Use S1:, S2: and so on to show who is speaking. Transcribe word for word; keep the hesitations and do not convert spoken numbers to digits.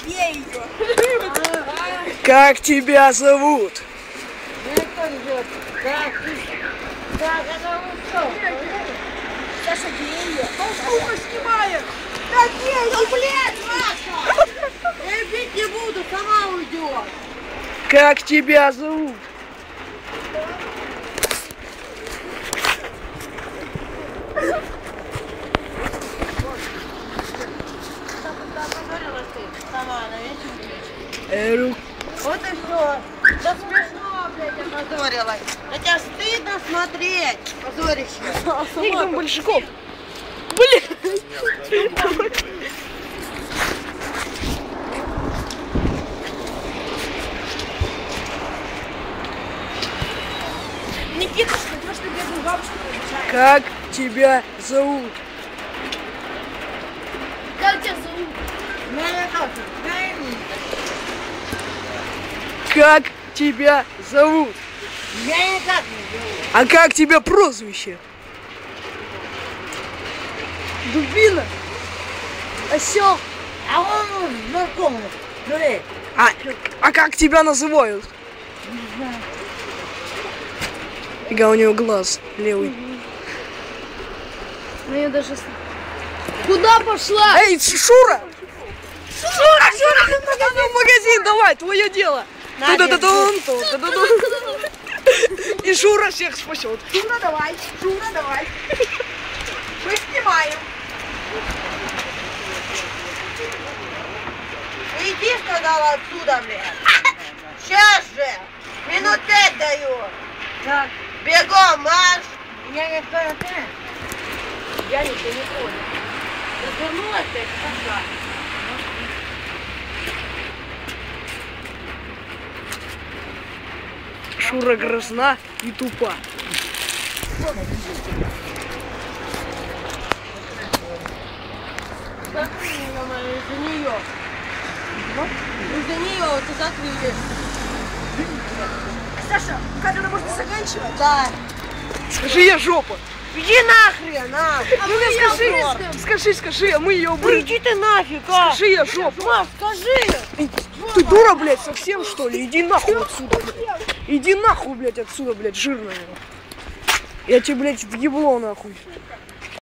S1: Бей ее.
S2: Как тебя зовут?
S3: Как? Как это что?
S1: Саша, бей ее.
S3: Толстуха снимает!
S1: Да бей ее, блядь, Маша!
S3: Я бить не буду, сама уйдет!
S2: Как тебя зовут?
S3: Сама на вечер.
S2: Эру.
S3: Вот и все. Да смешно, блядь, опозорилась. На тебя стыдно смотреть, позорище.
S2: Их там большаков. Блин.
S1: Никита, что идешь на бедную бабушку приезжаешь?
S2: Как тебя зовут?
S1: Как тебя зовут?
S3: Меня как? Меня
S2: Как тебя зовут?
S3: Меня никак не зовут.
S2: А как тебя прозвище? Дубина? Осел?
S3: А он знакомый. Смотри.
S2: А, а как тебя называют?
S3: Не знаю.
S2: Фига, у него глаз левый.
S1: Ну я даже... Куда пошла?
S2: Эй, Шура! Шура, Шура, в магазин, давай, твое дело. Ту-ду-ду-дун, ту-ду-ду-дун. И Шура всех спасет.
S1: Шура, давай, Шура, давай. Мы снимаем.
S3: Иди, сказала, отсюда, блядь. Сейчас же. Минут пять даю.
S1: Так,
S3: Бегом, марш. Я не понял.
S1: я ничего не понял.
S3: Развернулась ты, пошла.
S2: Шура грозна и тупа.
S3: Закрыли ее, мою, из-за нее. Из-за нее вот и закрыли.
S1: Саша, как это можно заканчивать?
S3: Да.
S2: Скажи, я жопа.
S3: Иди нахрен, а.
S1: А
S2: Ну
S1: мы её
S2: скажи,
S1: брызгаем.
S2: скажи, скажи, а мы ее
S3: Ну
S2: брызгаем.
S3: иди ты нафиг, а.
S2: Скажи, я жопа.
S3: Маш, скажи.
S2: Эй, ты дура, блядь, совсем что ли? Иди нахуй отсюда, блядь. Иди нахуй, блядь, отсюда, блядь, жирная. Я тебе, блядь, в ебло нахуй.